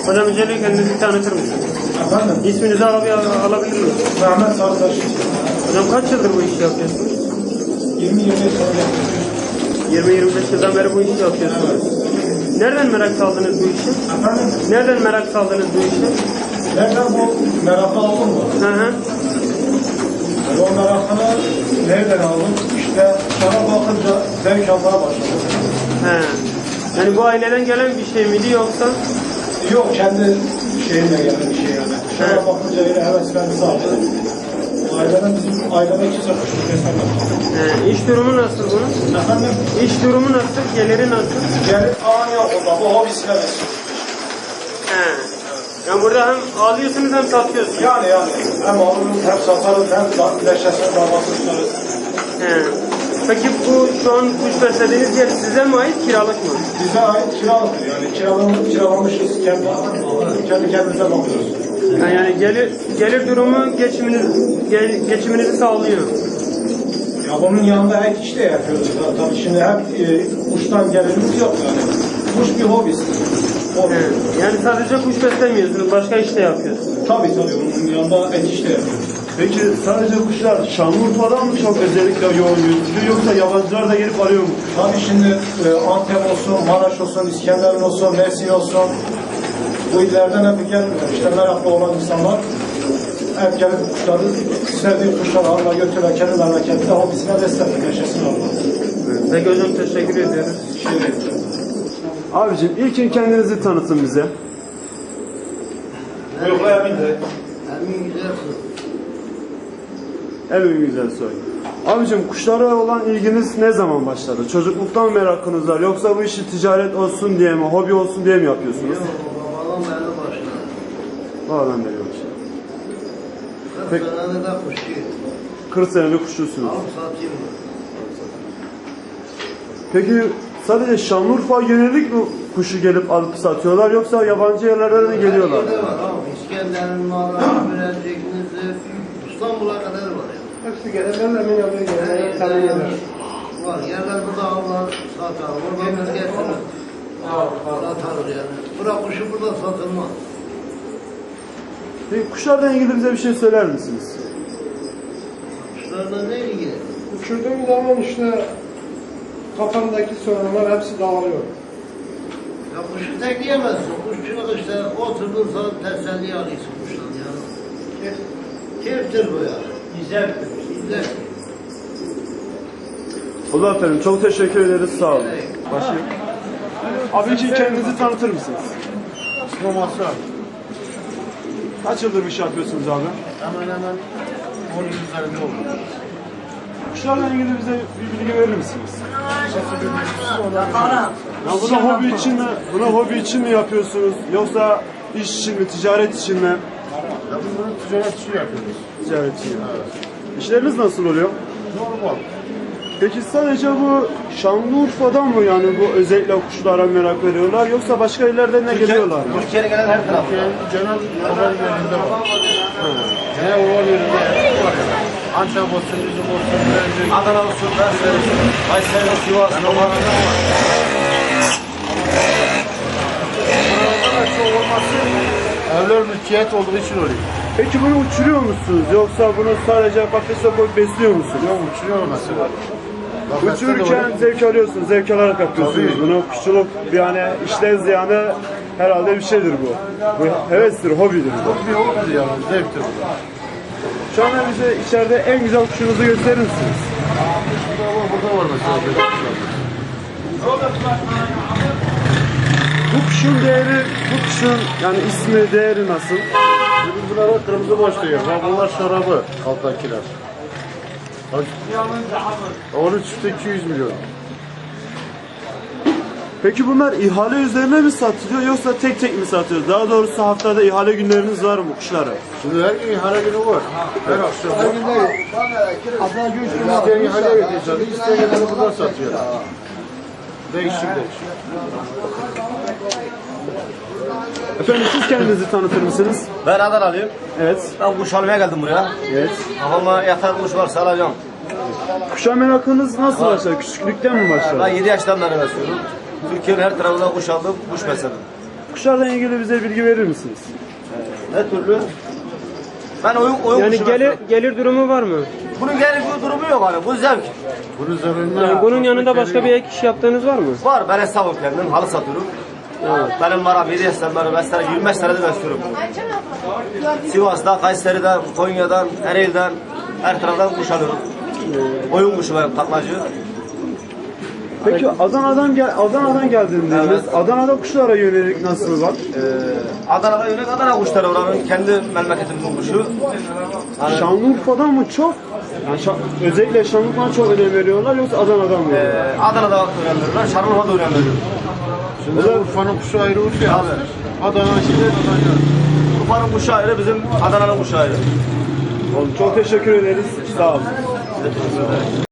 Hocam öncelikle kendinizi tanıtır mısınız? Efendim? İsminizi alabilir miyim? Mehmet Sarıtaş. Hocam kaç yıldır bu işi yapıyorsunuz? 20-25 sene yapıyorum. 20-25 yıldan beri bu işi yapıyorsunuz. Nereden merak saldınız bu işe? Efendim? Nereden merak saldınız bu işe? Nereden bu merakı aldın mı? Hı hı. O merakını nereden aldın? İşte sana bakınca zevk almaya başladım. He. Yani bu aileden gelen bir şey miydi yoksa? Yok, kendi şeyimle gelen bir şey yani. Sana bakınca yine heveslenmesi aldı. Aileden kimse kuşluk beslenmez. İş durumu nasıl bunun? Efendim? İş durumu nasıl? Geliri nasıl? Gelip alan yok orada. Bu hobisine besliyor. He. Yani burada hem alıyorsunuz hem satıyorsunuz. Yani hem alırız hem satarız hem leşesine davası tutarız. He. Peki bu şu an kuş beslediğiniz yer size mi ait, kiralık mı? Bize ait kiralıktır yani. Kiralamışız, kendi kendimize bakıyoruz. Yani gelir durumu geçiminizi sağlıyor. Ya bunun yanında ek iş de yapıyoruz. Tabii şimdi hep kuştan gelirimiz yok yani. Kuş bir hobisi. He. Yani sadece kuş beslemiyorsunuz, başka iş de yapıyorsunuz. Tabii bunun yanında ek iş de yapıyoruz. Peki sadece kuşlar Şanlıurfa'dan mı çok özellikle yoğun yüzlü yoksa yabancılar da gelip arıyor mu? Tabii şimdi Antep olsun, Maraş olsun, İskenderun olsun, Mersin olsun, bu illerden hep gelmiyor. İşte meraklı olan insanlar hep gelip kuşları, sevdiği kuşları alma götürürler, kendi memleketinde hobisine beslenir, yaşasın Allah. Peki hocam, teşekkür ediyoruz. Abicim ilkin kendinizi tanıtın bize. Buyurla Emin de. Emin Güzelsoy. Abicim kuşlara olan ilginiz ne zaman başladı? Çocukluktan merakınız var yoksa bu işi ticaret olsun diye mi, hobi olsun diye mi yapıyorsunuz? Yok, babadan beri başladı. Babadan beri başladı. 40 Peki. senede de kuşçuyum. 40 senelik kuşçusunuz. Alıp satayım mı? Peki sadece Şanlıurfa yönelik mi kuşu gelip alıp satıyorlar yoksa yabancı yerlerden de geliyorlar? Her yerde var abi. İskenderun, Maraş, Bilecik, Nizip, İstanbul'a kadar var ya. Hepsi gelenlerle emin yapıyor, gelenlerle tanıyorlar. Var. Yerler burada avlar, satar. Oradan biz getirir. Satarız yani. Bırak kuşu burada satılmaz. Peki kuşlarla ilgili bize bir şey söyler misiniz? Kuşlarla ne ilgili? Uçurduğum zaman işte kafamdaki sorunlar hepsi dağılıyor. Ya kuşu tekleyemezsin. Kuşçuluk işte oturduğun zaman teselli alıyorsun kuştan yani. Keyiftir bu yani. Güzeldir. Güzel. O zaman efendim çok teşekkür ederiz, sağ olun. Başlayalım. Abi için kendinizi tanıtır mısınız? Romasyon. Kaç yıldır bir şey yapıyorsunuz abi? Hemen 10 yıl üzerinde oldu. Kuşlarla ilgili bize bir bilgi verir misiniz? Ya buna hobi için mi yapıyorsunuz yoksa iş için mi, ticaret için mi? Ya biz bunu ticaret için yapıyoruz. Ticaret için. İşleriniz nasıl oluyor? Normal. Peki sadece bu Şanlıurfa'dan mı yani bu özellikle kuşlara merak veriyorlar yoksa başka illerden de geliyorlar mı? Türkiye'ye gelen her taraf. Genel oval yerinde var. Genel oval yerinde var. Antep olsun, Üzüm olsun, Bilecik. Adana olsun, Mersin olsun, Kayseri, Sivas, Roman'da var. Buralarda çoğu olması evler mülkiyet olduğu için oluyor. Peki bunu uçuruyor musunuz yoksa bunu sadece kafese koyup besliyor musunuz? Yok, uçuruyor mesela. Uçururken zevk alıyorsunuz, zevk alarak yapıyorsunuz Tabii. bunu. Kuşçuluk yani işle ziyanı herhalde bir şeydir bu. Bu hevestir, hobidir bu. Bir hobidir yani, zevktir bu. Şu anda bize içeride en güzel kuşunuzu gösterir misiniz? Burada var mesela. Bu kuşun değeri, bu kuşun yani ismi, değeri nasıl? Biz bunlara kırmızı boş diyoruz. Bunlar şarabı, alttakiler. Onun çifti 200 milyon. Peki bunlar ihale üzerine mi satılıyor yoksa tek tek mi satıyoruz? Daha doğrusu haftada ihale günleriniz var mı kuşlara? Şimdi her gün ihale günü var. Her akşam var. İsteyen ihale ediyorsa, isteyen ihale buradan satıyor. Değişik. Efendim siz kendinizi tanıtır mısınız? Ben Adanalıyım. Evet. Ben kuş almaya geldim buraya. Evet. Kafama yatar kuş varsa alacağım. Kuşa merakınız nasıl başladı? Küçüklükten mi Ben başladı? 7 yaştan beri besliyorum. Türkiye'nin her tarafından kuş aldım, kuş besledim. kuşlarla ilgili bize bilgi verir misiniz? Ne türlü? Ben oyun Yani kuşu gelir durumu var mı? Bunun gelir bir durumu yok hani. Bu zevk. Yani bunun yanında başka bir ek iş yaptığınız var mı? Var. Ben esnafım kendim. Halı satıyorum. Benim var 7 yaşlarından mesela 25 senedir besliyorum. Sivas'ta, Kayseri'den, Konya'dan, Ereğli'den, her taraftan kuş alıyorum. Oyun kuşu ve taklacı. Peki Adana'dan geldiniz. Evet. Adana'da kuşlara yönelik nasıl var? Adana'da yönelik Adana kuşları oranın kendi memleketimizin kuşu. Hani, Şanlıurfa'dan mı çok? Yani özellikle Şanlıurfa'dan çok önem veriyorlar yoksa Adana'dan mı? Adana'da önem veriyorlar, Şanlıurfa'da önem veriyorlar. Şimdi Urfa'nın kuşu ayrı Urfa. Abi, Adana'nın şimdi Urfa'nın kuşu ayrı, bizim Adana'nın kuşu ayrı. çok teşekkür ederiz. Sağ olun. Size teşekkür ederim.